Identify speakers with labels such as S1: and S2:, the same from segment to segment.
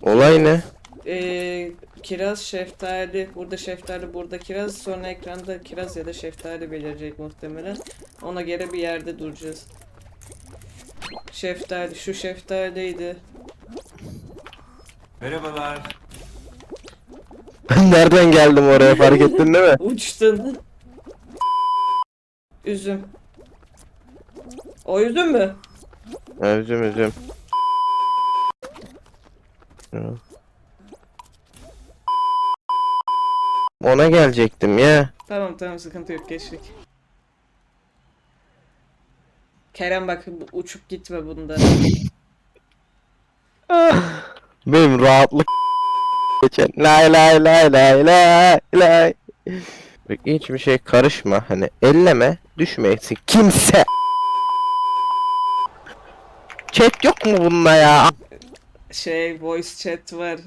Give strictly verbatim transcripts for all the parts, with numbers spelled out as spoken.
S1: Olay ne?
S2: Ee, kiraz, şeftali, burada şeftali, burada kiraz, sonra ekranda kiraz ya da şeftali belirecek muhtemelen. Ona göre bir yerde duracağız. Şeftali, şu şeftaliydi.
S3: Merhabalar.
S1: Ben nereden geldim oraya, fark ettin değil mi?
S2: Uçtun. Üzüm. O üzüm mü?
S1: Üzüm üzüm. Ona gelecektim ya.
S2: Tamam tamam, sıkıntı yok, geçtik. Kerem bak, bu- uçup gitme bunda.
S1: Benim rahatlık geçen. Lay lay lay lay lay lay. Bak, hiçbir şey karışma, hani elleme, düşmeyesin kimse. Chat yok mu bununla ya?
S2: Şey, voice chat var.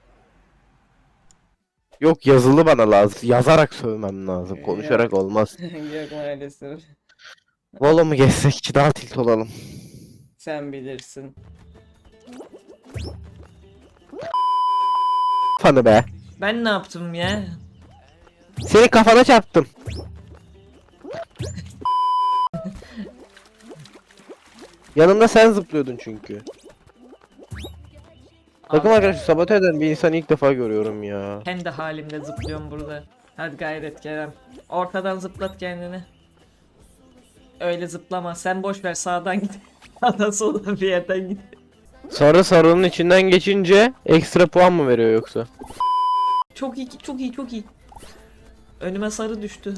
S1: Yok, yazılı bana lazım. Yazarak sövmem lazım. Konuşarak
S2: Yok.
S1: olmaz.
S2: Yok maalesef.
S1: Valla mı geçsek, daha tilt olalım.
S2: Sen bilirsin.
S1: Fanı be.
S2: Ben ne yaptım ya?
S1: Seni kafana çarptım. Yanımda sen zıplıyordun çünkü. Takım arkadaşı sabote eden bir insanı ilk defa görüyorum ya.
S2: Kendi halimde zıplıyorum burada. Hadi gayret Kerem. Ortadan zıplat kendini. Öyle zıplama. Sen boş ver, sağdan git. Sağdan soldan bir yerden git.
S1: Sarı sarının içinden geçince ekstra puan mı veriyor yoksa?
S2: Çok iyi, çok iyi, çok iyi. Önüme sarı düştü.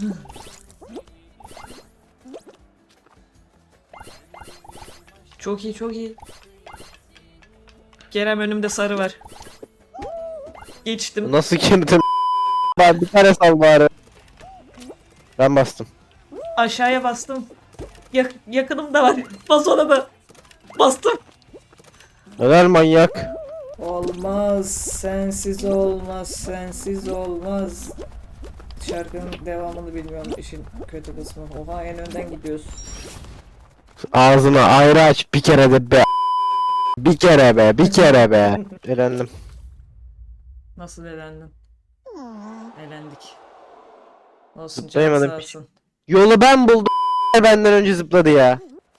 S2: Çok iyi, çok iyi. Kerem, önümde sarı var. Geçtim.
S1: Nasıl girdin? Ben bir tane sal bari. Ben bastım.
S2: Aşağıya bastım. Yak yakınımda var. Bas ona da. Bastım.
S1: Helal manyak.
S2: Olmaz, sensiz olmaz, sensiz olmaz. Şarkının devamını bilmiyorum, işin kötü kısmı. Oha, en önden gidiyorsun.
S1: Ağzını ayrı aç bir kere de be. Bir kere be, bir kere be. Elendim.
S2: Nasıl elendin? Elendik. Olsun, canın
S1: Zıplayamadım
S2: sağ
S1: piç.
S2: olsun.
S1: Yolu ben buldum. Benden önce zıpladı ya.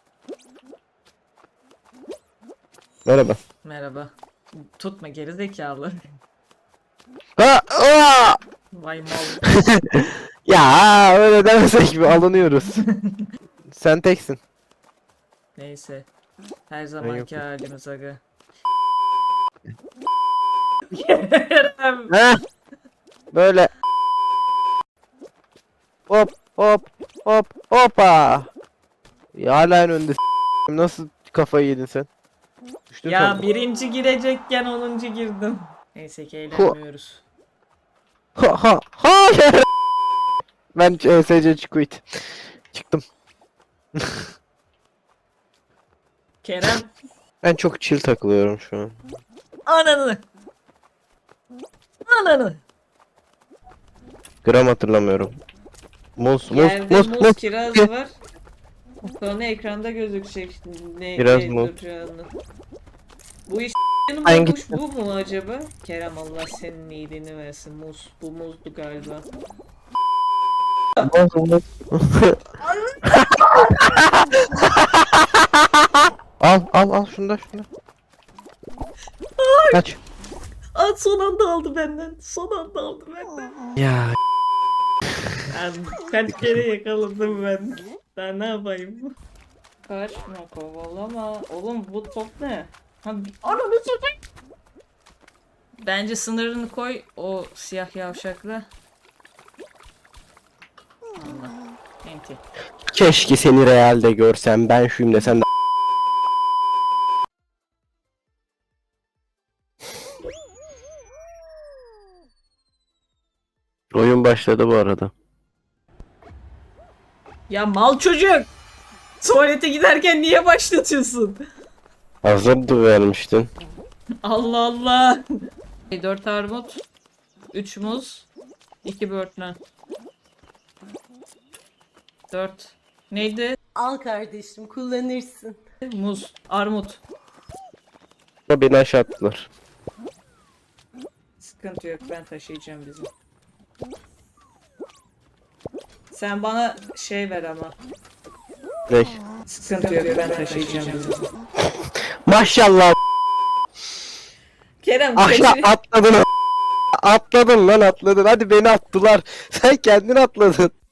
S1: Merhaba.
S2: Merhaba. Tutma geri zekalı.
S1: Ha, aa!
S2: Vay mal.
S1: Ya öyle demesek mi, alınıyoruz. Sen teksin.
S2: Neyse. Her zamanki
S1: yokum.
S2: halimiz aga. Kerem.
S1: Heh. Böyle. Hop hop hop hoppa. Ya hala en önde. Nasıl kafayı yedin sen? Düştün
S2: Ya
S1: sen.
S2: birinci girecekken onuncu girdim. Neyse ki eğlenmiyoruz.
S1: Ha ha hayır. Ben E S C quit. Çıktım.
S2: Kerem.
S1: Ben çok chill takılıyorum şu an.
S2: Ananı. Ananı.
S1: Gram hatırlamıyorum. Muz muz
S2: Yerde
S1: muz
S2: muz,
S1: muz.
S2: kiraz var. Sonra ekranda gözükecek ne
S1: Biraz
S2: ne
S1: muz.
S2: duracağını. Bu iş
S1: Ben
S2: yanımda kuş
S1: gittim.
S2: bu mu acaba? Kerem, Allah senin iyiliğini versin. Muz. Bu muzdu galiba.
S1: Muz muz. Al al al şunu da şunu da. Kaç.
S2: Aa, son anda aldı benden. Son anda aldı benden.
S1: Ya
S2: Yani kaç kere yakaladım ben. Daha ne yapayım? Kaçma, kovalama. Oğlum bu top ne? Ha, ananı satayım. Bence sınırını koy o siyah yavşakla. Allah. Enti.
S1: keşke seni realde görsem, ben şuyum desem de. Oyun başladı bu arada.
S2: Ya mal çocuk! Tuvalete giderken niye başlatıyorsun?
S1: Hazırdı vermiştin.
S2: Allah Allah! dört armut, üç muz, iki böğürtlen. dört. Neydi?
S4: Al kardeşim, kullanırsın.
S2: Muz, armut.
S1: Beni aşağı attılar.
S2: Sıkıntı yok, ben taşıyacağım bizi. Sen bana şey ver ama.
S1: Ne?
S2: Sıkıntı yok, ben taşıyacağım bizi.
S1: Maşallah
S2: Kerem
S1: aşağı
S2: taşı...
S1: atladın. Atladın lan atladın. Hadi beni attılar. Sen kendin atladın.